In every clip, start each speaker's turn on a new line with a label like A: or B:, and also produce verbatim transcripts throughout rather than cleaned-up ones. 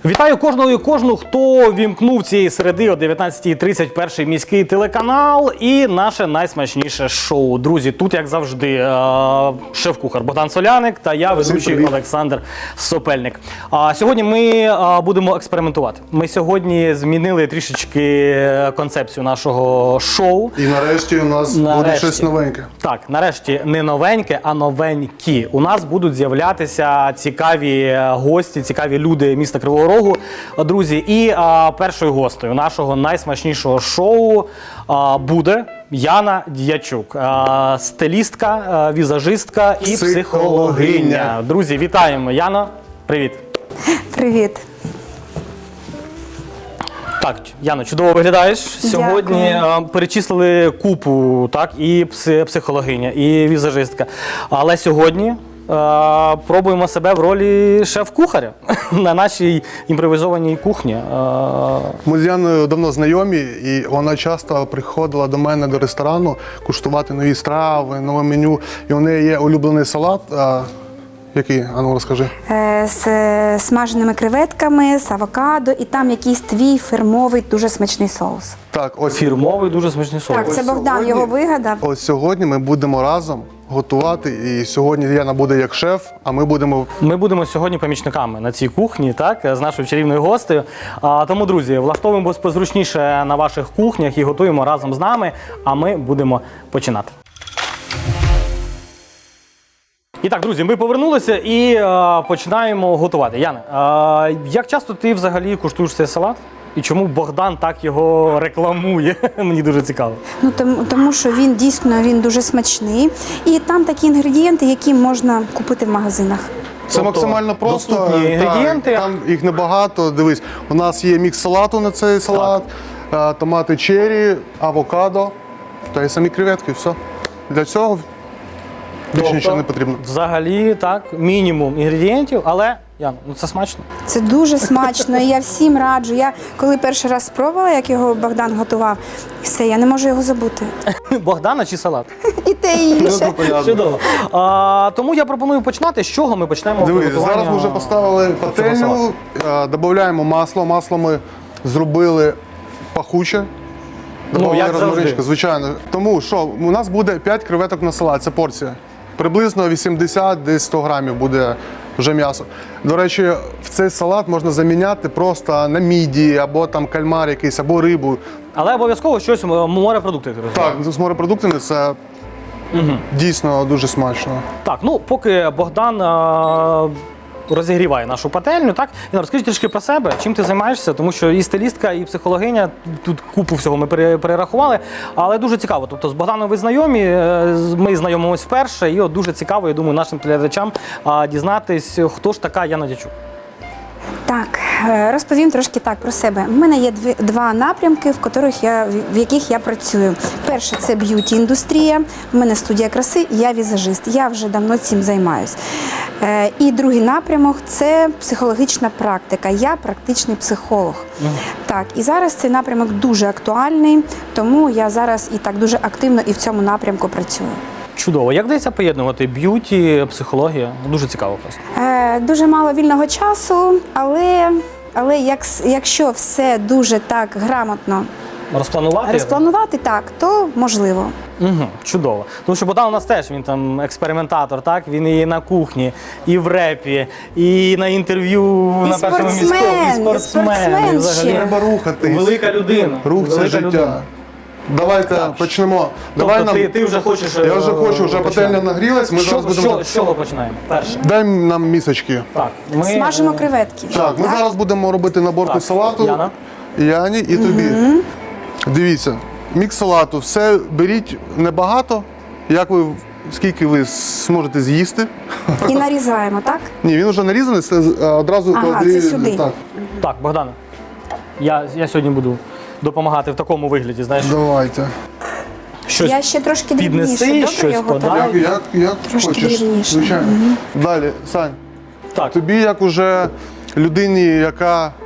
A: Вітаю кожного і кожну, хто вімкнув цієї середи о дев'ятнадцятій тридцять перший міський телеканал і наше найсмачніше шоу. Друзі, тут, як завжди, шеф-кухар Богдан Соляник та я, ведучий Олександр Сопельник. Сьогодні ми будемо експериментувати. Ми сьогодні змінили трішечки концепцію нашого шоу.
B: І нарешті у нас нарешті. буде щось новеньке.
A: Так, нарешті не новеньке, а новенькі. У нас будуть з'являтися цікаві гості, цікаві люди міста Кривого Рогу, друзі. І а, першою гостею нашого найсмачнішого шоу а, буде Яна Дячук, а, стилістка, а, візажистка і психологиня. Друзі, вітаємо. Яно, привіт.
C: Привіт.
A: Так, Яно, чудово виглядаєш. Сьогодні а, перечислили купу, так, і психологиня, і візажистка. Але сьогодні а, пробуємо себе в ролі шеф-кухаря на нашій імпровізованій кухні. А...
B: Ми з Яною давно знайомі, і вона часто приходила до мене до ресторану куштувати нові страви, нове меню. І у неї є улюблений салат. А, який? А ну, розкажи.
C: Е, з смаженими креветками, з авокадо, і там якийсь твій фірмовий, дуже смачний соус.
B: Так, ось
A: Фірмовий, дуже смачний соус.
C: Так, це Богдан
B: сьогодні,
C: його вигадав.
B: Ось сьогодні ми будемо разом готувати, і сьогодні Яна буде як шеф, а ми будемо...
A: Ми будемо сьогодні помічниками на цій кухні, так, з нашою чарівною гостею. А, тому, друзі, влаштовуємо позручніше на ваших кухнях і готуємо разом з нами, а ми будемо починати. І так, друзі, ми повернулися і а, починаємо готувати. Яна, а, як часто ти взагалі куштуєш цей салат? І чому Богдан так його рекламує? Мені дуже цікаво.
C: Ну, тому, тому що він дійсно він дуже смачний. І там такі інгредієнти, які можна купити в магазинах.
B: Це
A: Тобто,
B: максимально просто.
A: доступні інгредієнти.
B: Так, там їх небагато. Дивись, у нас є мікс салату на цей салат, так. Томати черрі, авокадо та й самі креветки. Все. Для цього більше
A: Тобто,
B: нічого не потрібно.
A: Взагалі, так, мінімум інгредієнтів, але, Ян, ну це смачно.
C: Це дуже смачно, і я всім раджу. Я коли перший раз спробувала, як його Богдан готував, все, я не можу його забути.
A: Богдана чи салат?
C: І те, і інше.
A: Чудово. А, тому я пропоную починати. З чого ми почнемо
B: Дивись,
A: приготування?
B: зараз ми вже поставили пательню, додаємо масло. Масло ми зробили пахуче.
A: Ну, як
B: розмаринчика, звичайно. Тому що у нас буде п'ять креветок на салат, це порція. Приблизно вісімдесят, десь сто грамів буде вже м'ясо. До речі, в цей салат можна заміняти просто на мідії, або там кальмар якийсь, або рибу.
A: Але обов'язково щось морепродукти.
B: Так, з морепродуктами це угу. дійсно дуже смачно.
A: Так, ну поки Богдан а, розігріває нашу пательню, так? І розкажи трішки про себе, чим ти займаєшся, тому що і стилістка, і психологиня, тут купу всього ми перерахували, але дуже цікаво. Тобто з Богданом ви знайомі, ми знайомимось вперше, і от дуже цікаво, я думаю, нашим глядачам дізнатись, хто ж така Яна Дячук.
C: Так, розповім трошки так про себе. У мене є дві, два напрямки, в яких я, в яких я працюю. Перший – це б'юті-індустрія, у мене студія краси, я візажист, я вже давно цим займаюсь. І другий напрямок – це психологічна практика, я практичний психолог. Mm. Так, і зараз цей напрямок дуже актуальний, тому я зараз і так дуже активно і в цьому напрямку працюю.
A: Чудово. Як вдається поєднувати б'юті, психологія? Дуже цікаво просто.
C: Е, дуже мало вільного часу, але, але як, якщо все дуже так грамотно
A: розпланувати,
C: розпланувати так, то можливо.
A: Угу, чудово. Тому що Богдан у нас теж, він там експериментатор, так? Він і на кухні, і в репі, і на інтерв'ю
C: І
A: на першому міському, і спортсмен.
C: І спортсмен
A: взагалі.
B: Треба рухати.
A: Велика людина.
B: Рух – це
A: Велика
B: життя.
A: людина.
B: Давайте
A: Так.
B: почнемо.
A: Тобто
B: Давай нам...
A: ти, ти вже хочеш.
B: Я вже хочу, вже
A: починати.
B: пательня нагрілась. Ми
A: Що,
B: зараз будемо...
A: що, з чого починаємо? Перше.
B: Дай нам місочки.
A: Так, ми...
C: Смажимо креветки.
B: Так, ми зараз будемо робити наборку
A: Так,
B: салату.
A: Яна.
B: Яні і тобі. Угу. Дивіться, мікс салату. Все беріть небагато, як ви, скільки ви зможете з'їсти.
C: І нарізаємо, так?
B: Ні, він вже нарізаний, це одразу
C: Ага,
B: клади-
C: це сюди.
B: Так.
A: Так, Богдане, я, я сьогодні буду допомагати в такому вигляді, знаєш.
B: Давайте.
A: Щось
C: Я ще трошки
A: піднеси,
C: дрібніше, добре
A: щось
C: його
A: подай.
C: так?
B: Як, як, як
C: Трошки
B: хочеш,
C: дрібніше.
B: звичайно. Далі, Сань,
A: Так.
B: тобі як уже людині, яка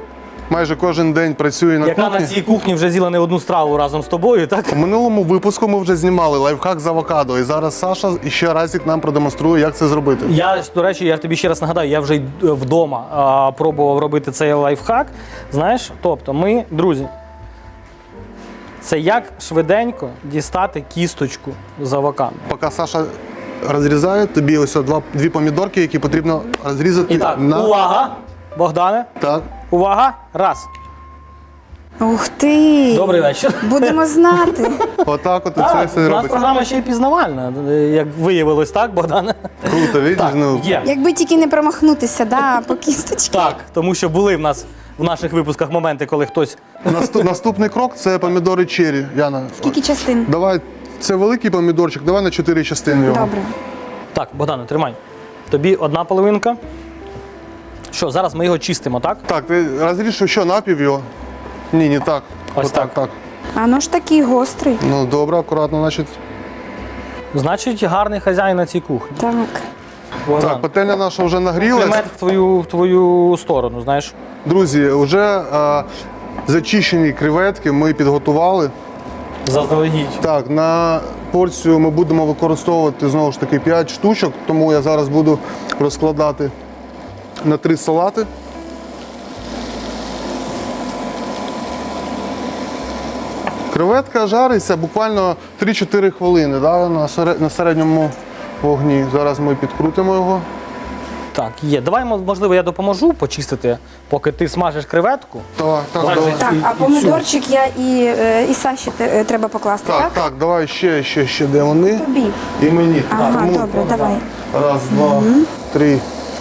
B: майже кожен день працює на
A: Яка
B: кухні.
A: на цій кухні вже з'їла не одну страву разом з тобою, так?
B: У минулому випуску ми вже знімали лайфхак з авокадо, і зараз Саша ще разик нам продемонструє, як це зробити.
A: Я, до речі, я тобі ще раз нагадаю, я вже й вдома а, пробував робити цей лайфхак. Знаєш, тобто ми, друзі, це як швиденько дістати кісточку з авокадо.
B: Поки Саша розрізає, тобі ось два, дві помідорки, які потрібно розрізати
A: І так,
B: на...
A: увага, Богдане,
B: Так.
A: увага, раз.
C: Ух ти!
A: Добрий вечір.
C: Будемо знати.
B: Отак от і це
A: Так,
B: все
A: у нас
B: робиться.
A: програма ще й пізнавальна, як виявилось, так, Богдане?
B: Круто, видиш?
A: Так,
B: Ну,
A: є.
C: Якби тільки не промахнутися, да, по кісточці.
A: Так, тому що були в нас в наших випусках моменти, коли хтось.
B: наступ- наступний крок – це помідори черрі. Яна,
C: Скільки частин?
B: давай, це великий помідорчик, давай на чотири частини його.
C: Добре.
A: Так, Богдане, тримай. Тобі одна половинка. Що, зараз ми його чистимо, так?
B: Так, ти розріж що, напів його? Ні, не так.
A: Ось
B: Отак,
A: так.
B: так.
C: А ну ж такий гострий.
B: Ну, добре, акуратно, значить.
A: Значить, гарний хазяїн на цій кухні.
C: Так.
A: Богдан,
B: Так, пательня наша вже нагрілась.
A: Примет в твою, в твою сторону, знаєш.
B: Друзі, вже е, зачищені креветки ми підготували.
A: Заздалегідь.
B: Так, на порцію ми будемо використовувати знову ж таки п'ять штучок, тому я зараз буду розкладати на три салати. Креветка жариться буквально три-чотири хвилини, да, на серед- на середньому вогні. Зараз ми підкрутимо його.
A: Так, є. Давай, можливо, я допоможу почистити, поки ти смажиш креветку.
B: Так, так,
A: Давай.
B: давай.
C: Так,
A: І-
C: а
A: і
C: помидорчик я і, е, і Саші те- е, треба покласти,
B: Так,
C: так?
B: так, давай ще, ще, ще, де вони?
C: Тобі.
B: І мені.
C: Ага,
B: Тому
C: добре, давай.
B: Раз, два, три.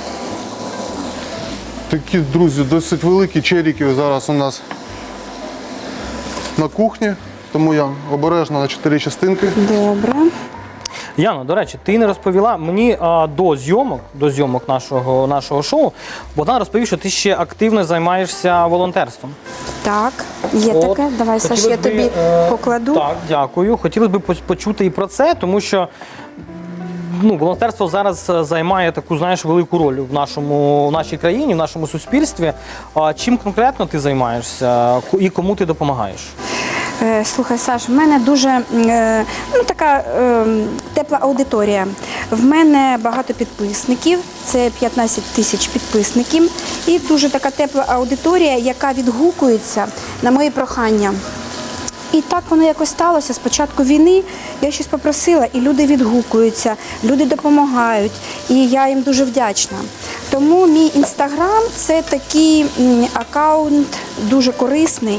B: Такі, друзі, досить великі черіки зараз у нас на кухні, тому я обережно на чотири частинки.
C: Добре.
A: Яно, до речі, ти не розповіла мені а, до зйомок, до зйомок нашого, нашого шоу. Богдан розповів, що ти ще активно займаєшся волонтерством.
C: Так, є
A: От,
C: таке. Давай, Саш, я
A: хотілося б,
C: тобі
A: е,
C: покладу.
A: Так, дякую. Хотілося б поч- почути і про це, тому що ну, волонтерство зараз е, займає таку, знаєш, велику роль в нашому в нашій країні, в нашому суспільстві. А чим конкретно ти займаєшся Ку- і кому ти допомагаєш?
C: Е, Слухай, Саш, в мене дуже е, ну, така е, тепла аудиторія. В мене багато підписників, це п'ятнадцять тисяч підписників. І дуже така тепла аудиторія, яка відгукується на мої прохання. І так воно якось сталося. З початку війни я щось попросила, і люди відгукуються, люди допомагають. І я їм дуже вдячна. Тому мій інстаграм – це такий м, аккаунт дуже корисний.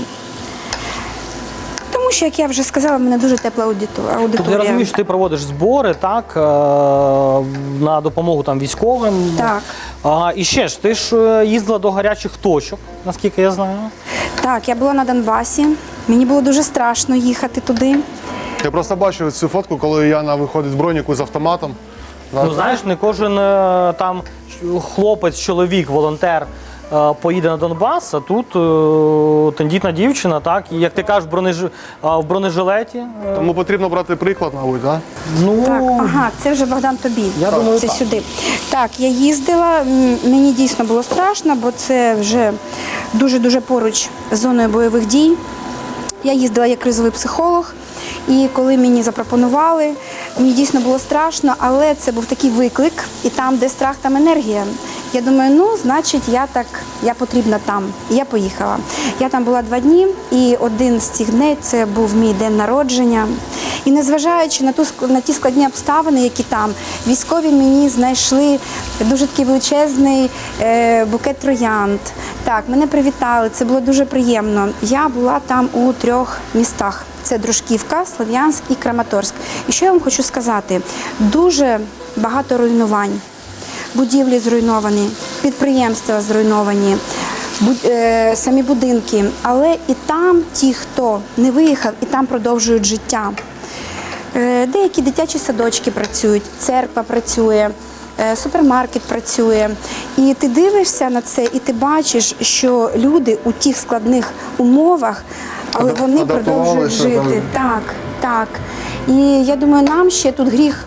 C: Тому що, як я вже сказала, в мене дуже тепла аудиту-
A: Тобто я
C: аудиторія.
A: розумію, що ти проводиш збори, так, е, на допомогу там військовим.
C: Так.
A: А, і ще ж, ти ж е, їздила до гарячих точок, наскільки я знаю.
C: Так, я була на Донбасі. Мені було дуже страшно їхати туди.
B: Я просто бачив цю фотку, коли Яна виходить з броніку з автоматом.
A: Ну знаєш, не кожен е, там хлопець, чоловік, волонтер е, поїде на Донбас, а тут е, тендітна дівчина, так, і як ти кажеш, бронеж... е, в бронежилеті. е,
B: Тому потрібно брати приклад, мабуть, так?
A: ну,
C: Так, ага, це вже Богдан тобі.
A: Я думаю,
C: це
A: так.
C: сюди. Так, я їздила, м, мені дійсно було страшно, бо це вже дуже-дуже поруч з зоною бойових дій. Я їздила як кризовий психолог, і коли мені запропонували, мені дійсно було страшно, але це був такий виклик, і там, де страх, там енергія. Я думаю, ну, значить, я так, я потрібна там. І я поїхала. Я там була два дні, і один з цих днів це був мій день народження. І незважаючи на ту ск- на ті складні обставини, які там, військові мені знайшли дуже такий величезний е, букет троянд. Так, мене привітали, це було дуже приємно. Я була там у трьох містах. Це Дружківка, Слов'янськ і Краматорськ. І що я вам хочу сказати? Дуже багато руйнувань. Будівлі зруйновані, підприємства зруйновані, буд- е, самі будинки. Але і там ті, хто не виїхав, і там продовжують життя. Е, деякі дитячі садочки працюють, церква працює, е, супермаркет працює. І ти дивишся на це, і ти бачиш, що люди у тих складних умовах, але
B: Адап-
C: вони
B: адаптувалися,
C: продовжують жити.
B: там.
C: Так, так. І я думаю, нам ще тут гріх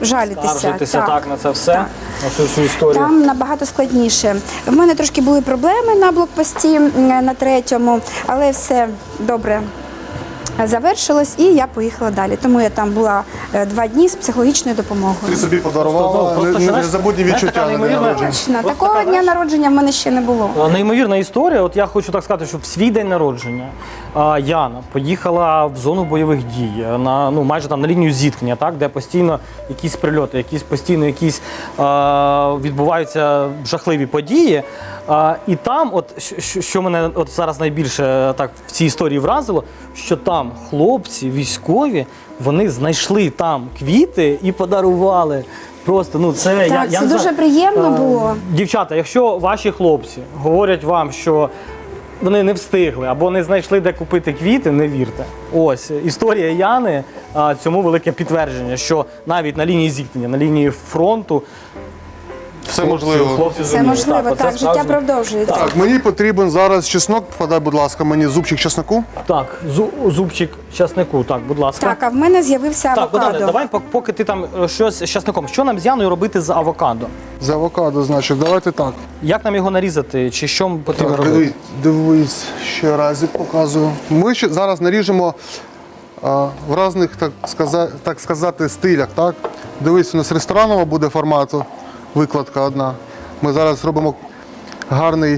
C: жалітися.
A: Скаржитися так, на це все, на всю цю історію.
C: Там набагато складніше. В мене трошки були проблеми на блокпості м, на третьому, але все добре завершилось і я поїхала далі. Тому я там була е, два дні з психологічною допомогою.
B: Ти собі подарувала
A: Просто, ну,
B: не-
A: просто,
B: не-
A: знаєш,
B: незабутні
A: знаєш,
B: відчуття
A: така
B: на день
A: неймовірна-
B: народження.
C: Точно,
A: Просто
C: такого
A: така,
C: дня
A: знаєш,
C: народження в мене ще не було.
A: А, Неймовірна історія. От я хочу так сказати, що в свій день народження а, Яна поїхала в зону бойових дій, на ну майже там на лінію зіткнення, так де постійно якісь прильоти, якісь постійно якісь а, відбуваються жахливі події. А, і там, от що, що мене от зараз найбільше так в цій історії вразило, що там хлопці військові вони знайшли там квіти і подарували. Просто ну це я,
C: Так,
A: я
C: це
A: не
C: дуже
A: знаю.
C: приємно
A: Е,
C: було.
A: Дівчата, якщо ваші хлопці говорять вам, що вони не встигли або не знайшли, де купити квіти, не вірте. Ось історія Яни а, цьому велике підтвердження, що навіть на лінії зіткнення, на лінії фронту
B: Все можливо.
A: хлопці
C: Це
A: зуміли.
C: можливо,
A: оце
C: так, життя
A: справжнє.
C: продовжується.
B: Так, мені потрібен зараз чеснок. Подай, будь ласка, мені зубчик чесноку.
A: Так, зу- зубчик часнику, так, будь ласка.
C: Так, а в мене з'явився
A: Так,
C: авокадо.
A: Богдане, давай, пок- поки ти там е, щось з часником. Що нам з Яною робити з авокадо?
B: З авокадо, значить, давайте так.
A: Як нам його нарізати? Чи що потрібно
B: Так,
A: робити?
B: дивись, дивись, ще разик показую. Ми ще зараз наріжемо а, в різних, так сказати, так сказати, стилях. Так? Дивись, у нас ресторанова буде формату, викладка одна. Ми зараз робимо гарний,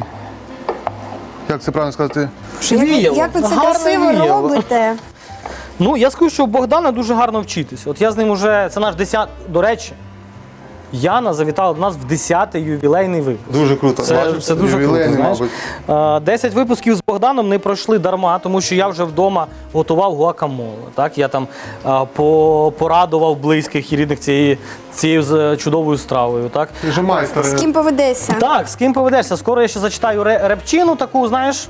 B: як це правильно сказати,
C: Як, ви-
A: Віяло.
C: як ви це
A: Гарне
C: красиво
A: віяло.
C: робите?
A: Ну, я скажу, що у Богдана дуже гарно вчитись. От я з ним уже, це наш десятий, до речі, Яна завітала до нас в десятий ювілейний випуск.
B: дуже круто.
A: Це,
B: Бачиш,
A: це дуже круто,
B: ювілейний,
A: знаєш.
B: мабуть.
A: Е, десять випусків з Богданом не пройшли дарма, тому що я вже вдома готував гуакамоле. Так? Я там е, по, порадував близьких і рідних цією, цією з- чудовою стравою. Так?
B: Ти ж майстер.
C: З ким поведешся?
A: Так, з ким поведешся? Скоро я ще зачитаю ре- репчину таку, знаєш,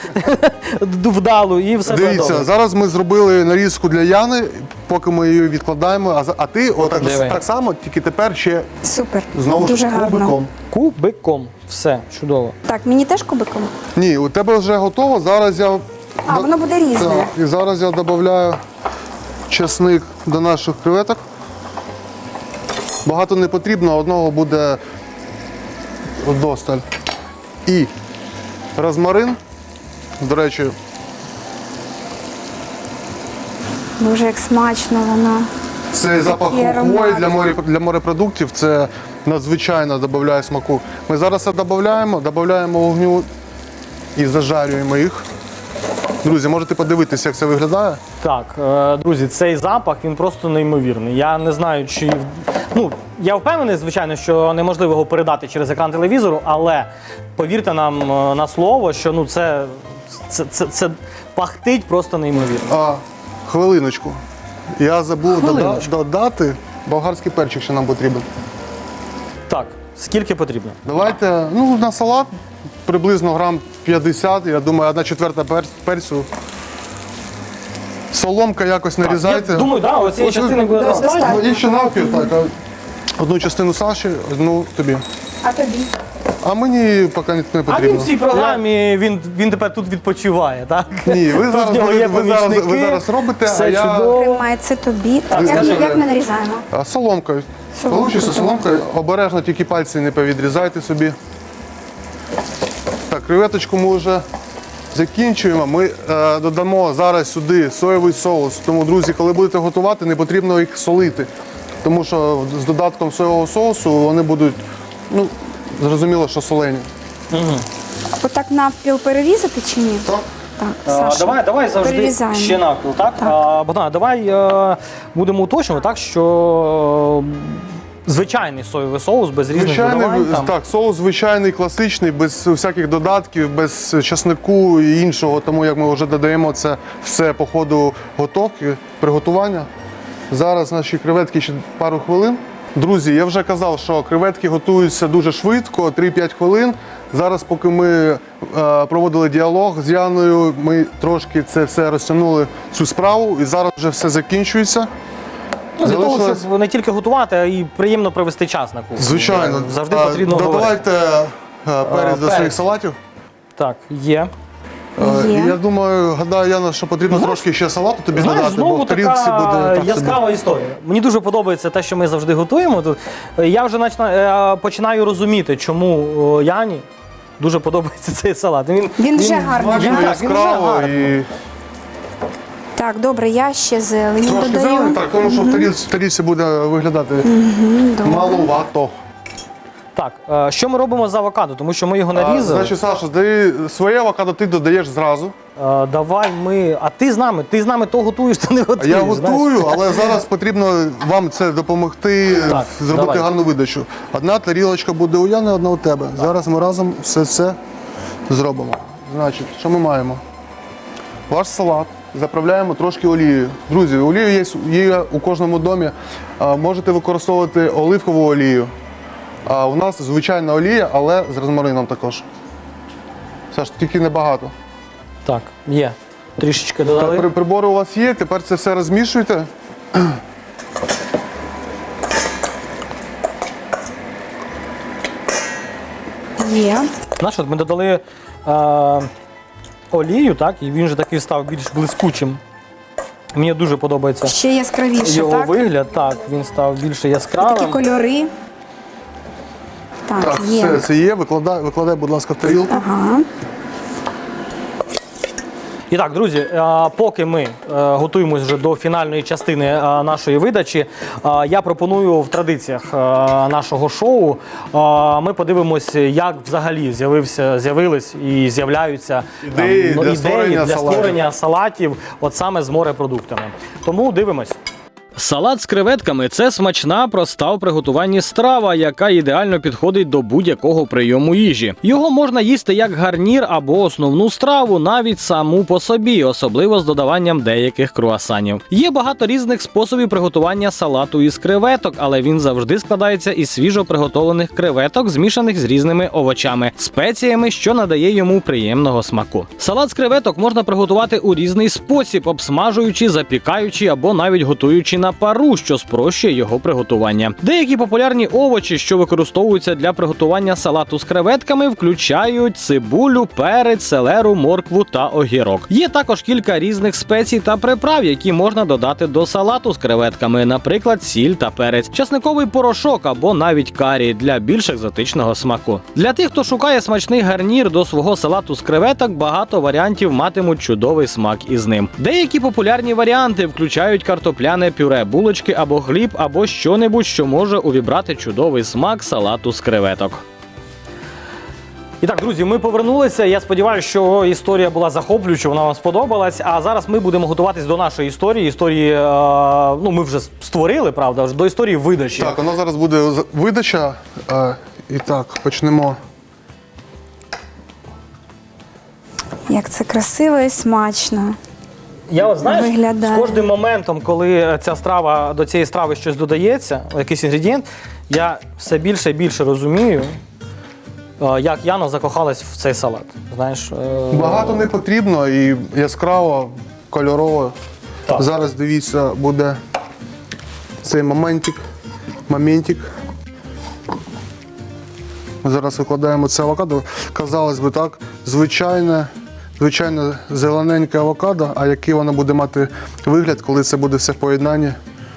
A: вдалу, і все буде
B: Дивіться,
A: добре.
B: зараз ми зробили нарізку для Яни, поки ми її відкладаємо, а, за- а ти отак
A: Диви.
B: так само, тільки тепер ще
C: Супер.
B: знову
C: Дуже
B: ж
C: гарно.
B: кубиком.
A: Кубиком. Все, чудово.
C: Так, мені теж кубиком?
B: Ні, у тебе вже готово. Зараз я
C: А, воно буде різне.
B: Так, і зараз я додаю чесник до наших креветок. Багато не потрібно, одного буде вдосталь. І розмарин. До речі,
C: Боже, як смачно воно.
B: це запах
C: Такий аромат.
B: хвої для, морі, для морепродуктів. Це надзвичайно додає смаку. Ми зараз це додаємо, додаємо вогню і зажарюємо їх. Друзі, можете подивитися, як це виглядає.
A: Так, е, друзі, цей запах він просто неймовірний. Я не знаю, чи ну я впевнений, звичайно, що неможливо його передати через екран телевізору, але повірте нам е, на слово, що ну це, це, це, це пахтить просто неймовірно.
B: А, хвилиночку. Я забув дода-
A: Хвилиночку.
B: додати болгарський перчик, що нам потрібен.
A: Так, скільки потрібно?
B: Давайте, ну, на салат приблизно грам п'ятдесят, я думаю, одна четверта пер- перцю. Соломка якось нарізайте.
A: Я думаю, да, оцієї
B: Ось ви-
A: частини буде
C: Достатньо.
A: достатньо.
B: Ну, і ще навпіл, так. а Одну частину Саші, одну тобі.
C: А тобі?
B: А мені поки не
A: А він
B: потрібно.
A: в цій програмі він, він тепер тут відпочиває, так?
B: Ні, ви
A: Тут
B: зараз,
A: в нього є
B: ви, зараз, ви
A: помічники,
B: зараз робите,
A: все
B: а я
A: чудово.
C: Тримай, це тобі. як,
A: скажи.
C: як ми нарізаємо?
B: а, соломкою.
C: Соломкою.
B: Получиться соломкою. Обережно тільки пальці не повідрізайте собі. Так, креветочку ми вже закінчуємо. Ми е, додамо зараз сюди соєвий соус. Тому, друзі, коли будете готувати, не потрібно їх солити. Тому що з додатком соєвого соусу вони будуть, ну, зрозуміло, що солені.
C: Отак навпіл перерізати чи ні?
B: Так?
C: Так,
A: А,
C: Саша.
A: давай, давай завжди
C: перерізаємо.
A: ще навпіл, так? А, Богдан, давай е, будемо уточнювати, так, що е, звичайний соєвий соус без різних
B: Звичайний,
A: додавань. Там.
B: так, соус звичайний, класичний, без всяких додатків, без часнику і іншого. Тому як ми вже додаємо це все по ходу готовки, приготування. Зараз наші креветки ще пару хвилин. Друзі, я вже казав, що креветки готуються дуже швидко, три-п'ять хвилин. Зараз, поки ми е, проводили діалог з Яною, ми трошки це все розтягнули, цю справу, і зараз вже все закінчується.
A: Ну, для того,
B: Залишилось-
A: щоб не тільки готувати, а і приємно провести час на кухні.
B: Звичайно.
A: Завжди
B: А,
A: потрібно говорити.
B: Додавайте е, перець до
A: перець.
B: своїх салатів.
A: Так, є.
B: Е,
C: Є.
B: Я думаю, гадаю, Яна, що потрібно
A: Знаєш-
B: трошки ще салату тобі
A: Знаєш,
B: додати, бо
A: знову
B: в тарілці
A: така
B: буде так
A: яскрава
B: собі.
A: історія. Мені дуже подобається те, що ми завжди готуємо тут. Я вже начина- е, починаю розуміти, чому о, Яні дуже подобається цей салат. Він,
C: Він вже гарний,
A: він,
C: да?
A: так, він вже
B: Яскраво
A: гарний.
B: і
C: Так, добре, я ще зелені
B: трошки
C: додаю.
B: зелень, так, тому що в тарілці, в тарілці буде виглядати маловато.
A: Так, е, що ми робимо з авокадо? Тому що ми його
B: А,
A: нарізали.
B: Значить, Саша, здай своє авокадо ти додаєш зразу.
A: Е, давай ми. А ти з нами? Ти з нами то готуєш, то не
B: А
A: готуєш.
B: я
A: знаєш.
B: готую, але зараз потрібно вам це допомогти
A: Так,
B: зробити
A: давай.
B: гарну видачу. Одна тарілочка буде у Яни, одна у тебе. Зараз ми разом все це зробимо. Значить, що ми маємо? Ваш салат заправляємо трошки олією. Друзі, олію є, є у кожному домі. А, можете використовувати оливкову олію. А у нас звичайна олія, але з розмарином також. Саш, тільки небагато.
A: Так, є. Трішечки
B: Так,
A: додали.
B: при- прибори у вас є, тепер це все розмішуйте.
C: Є.
A: Знаєш, от ми додали е, олію, так, і він вже такий став більш блискучим. Мені дуже подобається
C: Ще яскравіше,
A: його
C: так?
A: вигляд. Так, він став більше
C: Такі
A: яскравим.
C: кольори. Так,
B: Так,
C: є.
B: все це є. Викладай, викладай, будь ласка, в тарілку.
C: Ага.
A: І так, друзі, е, поки ми е, готуємось вже до фінальної частини е, нашої видачі, е, я пропоную в традиціях е, нашого шоу е, ми подивимося, як взагалі з'явився, з'явились і з'являються там,
B: Ідеї
A: ну,
B: для
A: ідеї
B: створення
A: для
B: салатів.
A: створення салатів, от саме з морепродуктами. Тому дивимось. Салат з креветками – це смачна, проста у приготуванні страва, яка ідеально підходить до будь-якого прийому їжі. Його можна їсти як гарнір або основну страву, навіть саму по собі, особливо з додаванням деяких круасанів. Є багато різних способів приготування салату із креветок, але він завжди складається із свіжо приготовлених креветок, змішаних з різними овочами, спеціями, що надає йому приємного смаку. Салат з креветок можна приготувати у різний спосіб, обсмажуючи, запікаючи або навіть готуючи на пару, що спрощує його приготування. Деякі популярні овочі, що використовуються для приготування салату з креветками, включають цибулю, перець, селеру, моркву та огірок. Є також кілька різних спецій та приправ, які можна додати до салату з креветками, наприклад, сіль та перець, часниковий порошок або навіть карі для більш екзотичного смаку. Для тих, хто шукає смачний гарнір до свого салату з креветок, багато варіантів матимуть чудовий смак із ним. Деякі популярні варіанти включають картопляне пюре, булочки або хліб, або що-небудь, що може увібрати чудовий смак салату з креветок. І так, друзі, ми повернулися. Я сподіваюся, що історія була захоплююча, вона вам сподобалась. А зараз ми будемо готуватись до нашої історії. Історії, е, ну, ми вже створили, правда, вже до історії видачі.
B: Так, у нас зараз буде з- видача. Е, І так, почнемо.
C: Як це красиво і смачно.
A: Я от, знаєш,
C: Виглядає.
A: з кожним моментом, коли ця страва, до цієї страви щось додається, якийсь інгредієнт, я все більше і більше розумію, е, як Яна закохалась в цей салат. Знаєш, е,
B: Багато не потрібно і яскраво, кольорово.
A: Так.
B: Зараз дивіться, буде цей моментик. моментик. Ми зараз викладаємо це авокадо. Казалось би так, звичайне, звичайне зелененьке авокадо, а який воно буде мати вигляд, коли це буде все в поєднанні.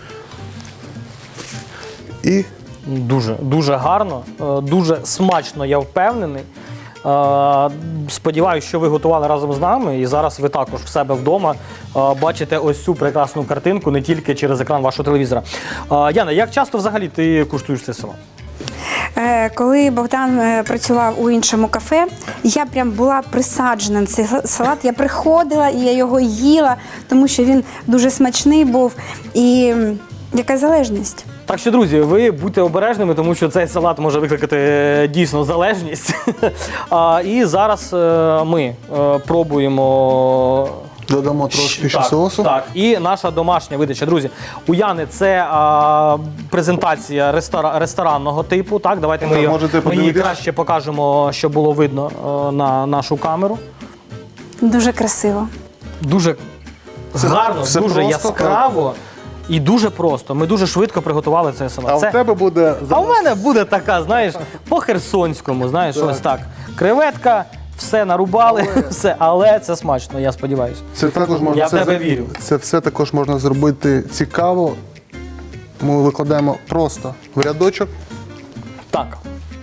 B: І
A: Дуже, дуже гарно, е, дуже смачно, я впевнений. Е, Сподіваюся, що ви готували разом з нами, і зараз ви також в себе вдома е, бачите ось цю прекрасну картинку не тільки через екран вашого телевізора. Е, Яна, як часто взагалі ти куштуєш цей салат?
C: Е, Коли Богдан е, працював у іншому кафе, я прям була присаджена на цей салат. Я приходила і я його їла, тому що він дуже смачний був. І м, яка залежність?
A: Так що, друзі, ви будьте обережними, тому що цей салат може викликати е, дійсно залежність. А, і зараз е, ми е, пробуємо.
B: додамо трошки ще
A: Так,
B: соусу.
A: Так, і наша домашня видача. Друзі, у Яни це а, презентація рестора, ресторанного типу. Так, давайте ми,
B: Так,
A: її,
B: можете
A: ми її
B: подивитись.
A: краще покажемо, щоб було видно е, на нашу камеру.
C: Дуже красиво.
A: Дуже гарно,
B: все
A: дуже
B: просто,
A: яскраво і дуже просто. Ми дуже швидко приготували цей салат.
B: А
A: Це-
B: в тебе буде
A: А у мене буде така, знаєш, по-херсонському, знаєш, ось так. Креветка, все нарубали, все, але це смачно, я сподіваюся.
B: Це також можна
A: Я в
B: все
A: тебе
B: за-
A: вірю.
B: Це все також можна зробити цікаво. Ми викладаємо просто в рядочок.
A: Так.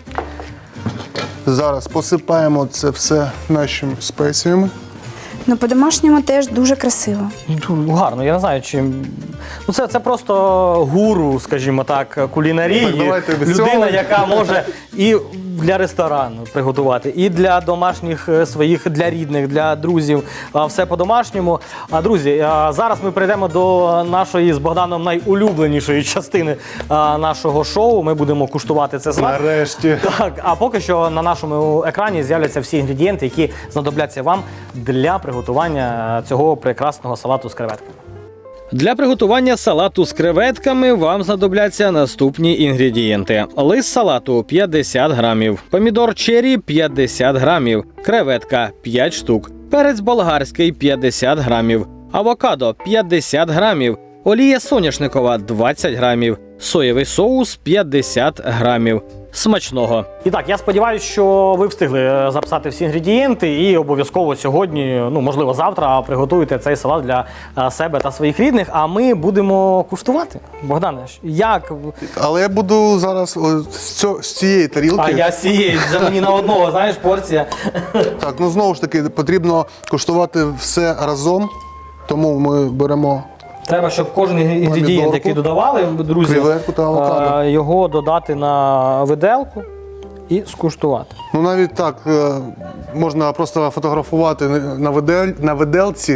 B: Зараз посипаємо це все нашими спеціями.
C: Ну, по-домашньому теж дуже красиво.
A: Ну, гарно, я не знаю, чим. Ну, це, це просто гуру, скажімо так, кулінарії.
B: Так, давайте без
A: Людина,
B: цього.
A: яка може і для ресторану приготувати, і для домашніх е, своїх, для рідних, для друзів. а, Все по-домашньому. А, друзі, а, зараз ми перейдемо до нашої з Богданом найулюбленішої частини а, нашого шоу. Ми будемо куштувати це смак.
B: Нарешті.
A: Так, а поки що на нашому екрані з'являться всі інгредієнти, які знадобляться вам для приготування цього прекрасного салату з креветками. Для приготування салату з креветками вам знадобляться наступні інгредієнти: лист салату п'ятдесят грамів, помідор черрі п'ятдесят грамів, креветка п'ять штук, перець болгарський п'ятдесят грамів, авокадо п'ятдесят грамів, олія соняшникова двадцять грамів, соєвий соус п'ятдесят грамів. Смачного! І так, я сподіваюся, що ви встигли записати всі інгредієнти і обов'язково сьогодні, ну можливо завтра, приготуєте цей салат для е, себе та своїх рідних. А ми будемо куштувати. Богдане, як?
B: Але я буду зараз о, з, цього, з цієї тарілки.
A: А я з цієї, це мені на одного, знаєш, порція.
B: Так, ну знову ж таки, потрібно куштувати все разом. Тому ми беремо
A: Треба, щоб кожен інгредієнт,
B: Помідорку,
A: який додавали, друзі,
B: креветку та авокадо.
A: е, його додати на виделку і скуштувати.
B: Ну навіть так, е, можна просто фотографувати на, видель, на виделці.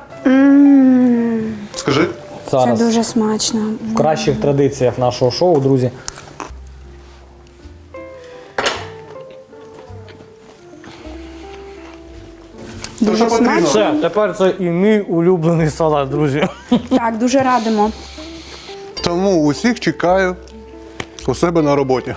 B: Скажи.
A: Зараз
C: Це дуже смачно.
A: в кращих традиціях нашого шоу, друзі.
B: Це що
C: Дуже
B: потрібно?
C: смачно.
A: Все, тепер це і мій улюблений салат, друзі.
C: Так, дуже радимо.
B: Тому усіх чекаю у себе на роботі.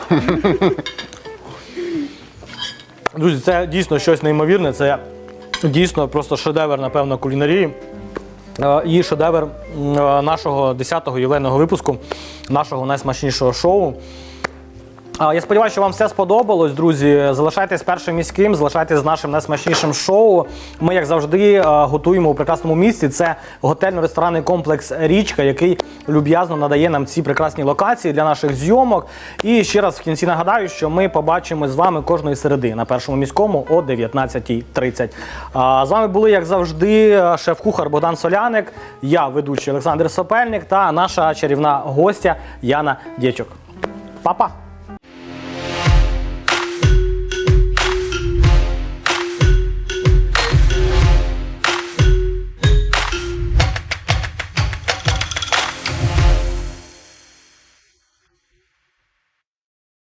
A: Друзі, це дійсно щось неймовірне, це дійсно просто шедевр, напевно, кулінарії. Е, І шедевр м, е, нашого десятого ювілейного випуску, нашого найсмачнішого шоу. А, Я сподіваюся, що вам все сподобалось, друзі. Залишайтесь першим міським, залишайтесь з нашим найсмачнішим шоу. Ми, як завжди, е, готуємо у прекрасному місці. Це готельно-ресторанний комплекс «Річка», який люб'язно надає нам ці прекрасні локації для наших зйомок. І ще раз в кінці нагадаю, що ми побачимось з вами кожної середи на першому міському о дев'ятнадцятій тридцять. А, З вами були, як завжди, шеф-кухар Богдан Соляник, я, ведучий Олександр Сопельник та наша чарівна гостя Яна Дєчук. Па-па!